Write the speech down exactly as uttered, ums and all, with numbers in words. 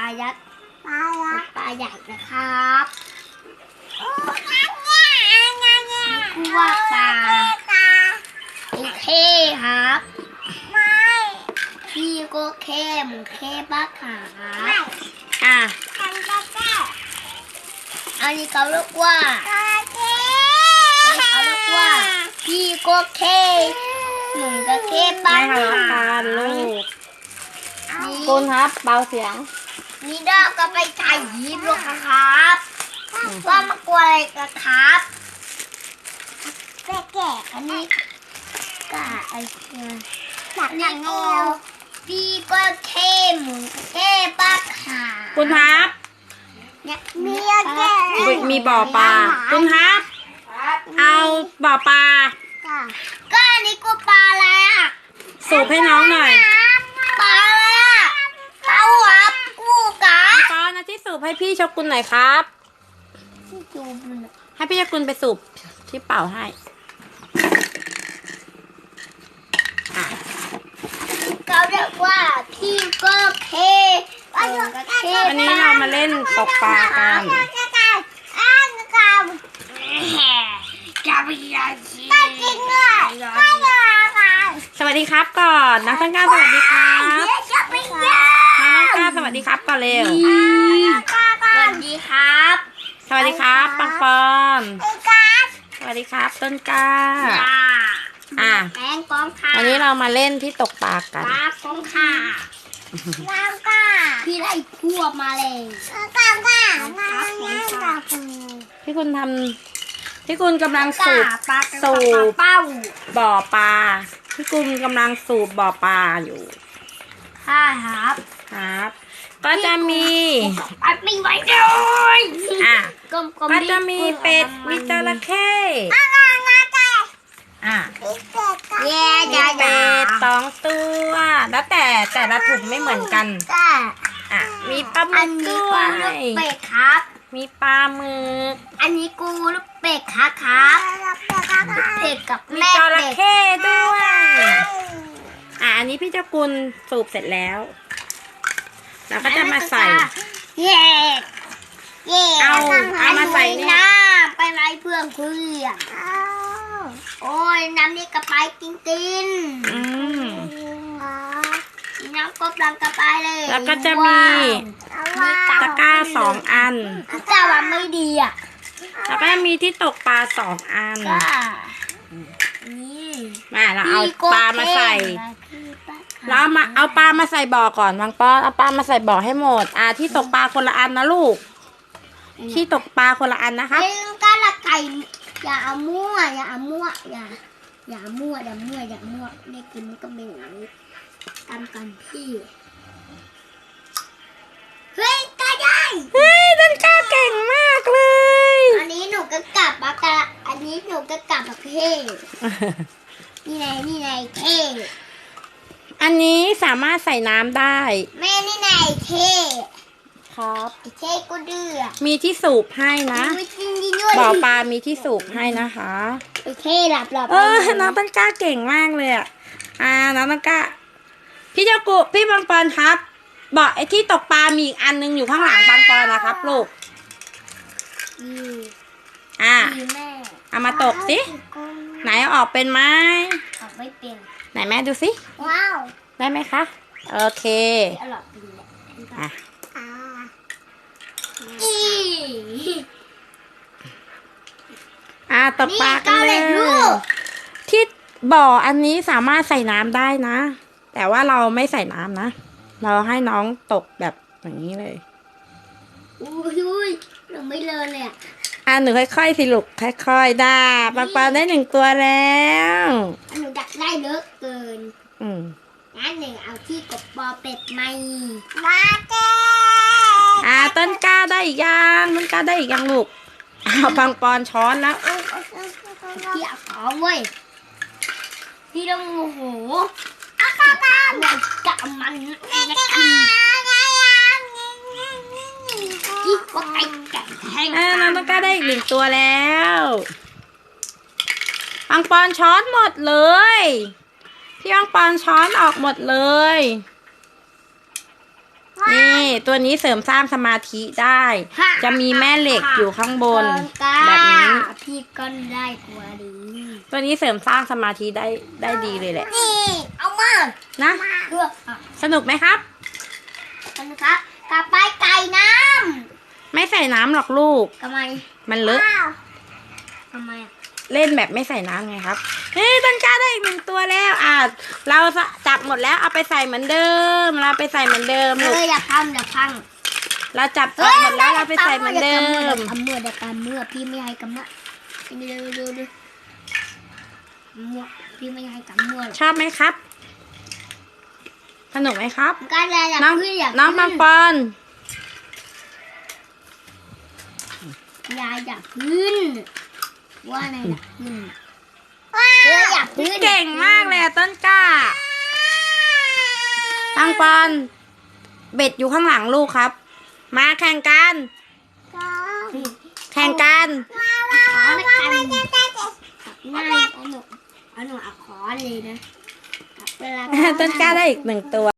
ยักษ์ปลายักษ์ปลาใหญ่นะครับนี่คือว่าปลาโอเคครับไม่พี่ก็แค่หมูแค่บ้าขาอ่ะอันนี้เขาเรียกว่าเขาเรียกว่าพี่ก็แค่หมูก็แค่บ้าขาลูกคุณครับเบาเสียงนี่เราก็ไปถ่ายยิ้มลูกครับว่ามากลัวอะไรกันครับแก่แก่อันนี้กะไอ้เชี่ยนี่กูพี่ก็แค่หมูแค่บ้าขาคุณครับเนี่ยมีแก่มีบ่อปลาคุณครับเอาบ่อปลาก็อันนี้กูปลาอะไรอ่ะสูบให้น้องหน่อยปลาอะไรอ่ะเขาหับกูกะปลานะที่สูบให้พี่ชกุลหน่อยครับให้พี่ชกุลไปสูบที่เป่าให้เขาเรียกว่าพี่ก็เคอันนี้เรามาเล่นตกปลากันสวัสดีครับก่อนน้องต้นกล้าสวัสดีครับน้องต้นกล้าสวัสดีครับก่อนเร็วสวัสดีครับสวัสดีครับปังปอนสวัสดีครับต้นกล้าอ่ะวันนี้เรามาเล่นที่ตกปลากันปลากงค่ะแล้วก็พี่ไล่พวกมาเลยก้าก้าพี่คุณทำพี่คุณกำลังสูบสูบบ่อปลาพี่คุณกำลังสูบบ่อปลาอยู่ใช่ครับครับก็จะมีอัดไม่ไหวเลยอ่ะก็จะมีเป็ดมีจระเข้อ่ะแย่มีเป็ดสองตัวแล้วแต่แต่ละถุงไม่เหมือนกันอ่ะมีปลาหมึกด้วยเป็ดครับมีปลาหมึกอันนี้กูลูกเป็ดครับครับเป็ดกับแม่จระเข้ด้วยอ่ะอันนี้พี่เจ้ากุลสูบเสร็จแล้วแล้วก็จะมาใส่เย่เย่เอาเอามาใส่นี่น้ำไปไล่เพื่อนเพื่อนโอ้ยน้ำนี่กระไปตินตินอืมน้ำก็ปลังกระไปเลยแล้วก็จะมีตะกร้าสองอันตะกร้าว่าไม่ดีอ่ะแล้วก็มีที่ตกปลาสองอันนี่มาเราเอาปลามาใส่แล้วมาเอาปลามาใส่บ่อก่อนบางป้อนเอาปลามาใส่บ่อให้หมดอ่าที่ตกปลาคนละอันนะลูกที่ตกปลาคนละอันนะคะเล่นก้าละไก่อย่าเอามั่วอย่าเอามั่วอย่าอย่ามั่วอย่ามั่วอย่ามั่วได้กินมันก็เป็นอย่างนี้ตามกันพี่เฮ้ยกล้าได้เฮ้ยต้นกล้าเก่งมากเลยอันนี้หนูก็กลับมากะอันนี้หนูก็กลับมาเพ่นี่ไงนี่ไงเท่อันนี้สามารถใส่น้ำได้แม่นี่ไงเท่ครับเท่ก็ดื้อมีที่สูบให้นะบ่อปลามีที่สูบให้นะคะโอเคหลับหลับเออน้องต้นกล้าเก่งมากเลยอ่ะอ่าน้องต้นกล้าพี่เจ้ากุพี่บางปอนครับบ่อไอ้ที่ตกปลามีอีกอันนึงอยู่ข้างหลังบางปอนนะครับลูกอ่าเอามาตกสิไหนออกเป็นไหมออกไม่เป็นไหนแม่ดูสิว้าวได้ไหมคะโอเคอ่ะอ่ะตกปลากันเลยที่บ่ออันนี้สามารถใส่น้ำได้นะแต่ว่าเราไม่ใส่น้ำนะเราให้น้องตกแบบอย่างนี้เลยอุ้ยหนูไม่เลินเลยอ่ะอ่ะหนูค่อยๆสิลูกค่อยๆได้ปลาปลาได้หนึ่งตัวแล้วหนูดักได้เยอะเกินอืมงั้นหนึ่งเอาที่กบปอเป็ดไม่มาเจ้อ่าต้นกล้าได้อีกยังต้นกล้าได้อีกยังลูกอ้าวบางปอนช้อนแล้วพี่เอาของเว้ยพี่ต้องโอ้โหอาคาบามันกะมันนะคือที่ก็ไก่แก่แห้งอ่าน้องต้นกล้าได้อีกหนึ่งตัวแล้วบางปอนช้อนหมดเลยพี่บางปอนช้อนออกหมดเลยนี่ตัวนี้เสริมสร้างสมาธิได้ จะมีแม่เหล็กอยู่ข้างบน แบบนี้พี่ก็ได้ตัวดีตัวนี้เสริมสร้างสมาธิได้ได้ดีเลยแหละนี่เอามานะเลือกอ่ะสนุกไหมครับนะครับกลับไปไก่น้ไม่ใส่น้ำหรอกลูกำทำไมมันเลอะทำไมอ่ะเล่นแบบไม่ใส่น้ำไงครับเฮ้ยต้นกล้าได้อีกหนึ่งตัวแล้วอ่ะเราจับหมดแล้วเอาไปใส่เหมือนเดิม เราไปใส่เหมือนเดิมเอลูกออย่าพังอย่าพังเราจับจับหมดแล้วเราไปใส่เหมือนเดิมทำเมื่อเดี๋ยวทำเมื่อพี่ไม่ให้กำมือดูดูดูดูมั่วพี่ไม่ให้กำมือชอบไหมครับ สนุกไหมครับก็เลยอยากน้องขึ้นอยากน้องปังปอนยายอยากขึ้นว่าไงอยากขึ้นเธออยากขึ้นเก่งมากเลยอะต้นกล้าปังปอน เบ็ดอยู่ข้างหลังลูกครับ มาแข่งกัน แข่งกันขอในกันง่ายเอาหนูเอาหนูเอาขอเลยนะเวลาต้นกล้าได้อีกหนึ่งตัว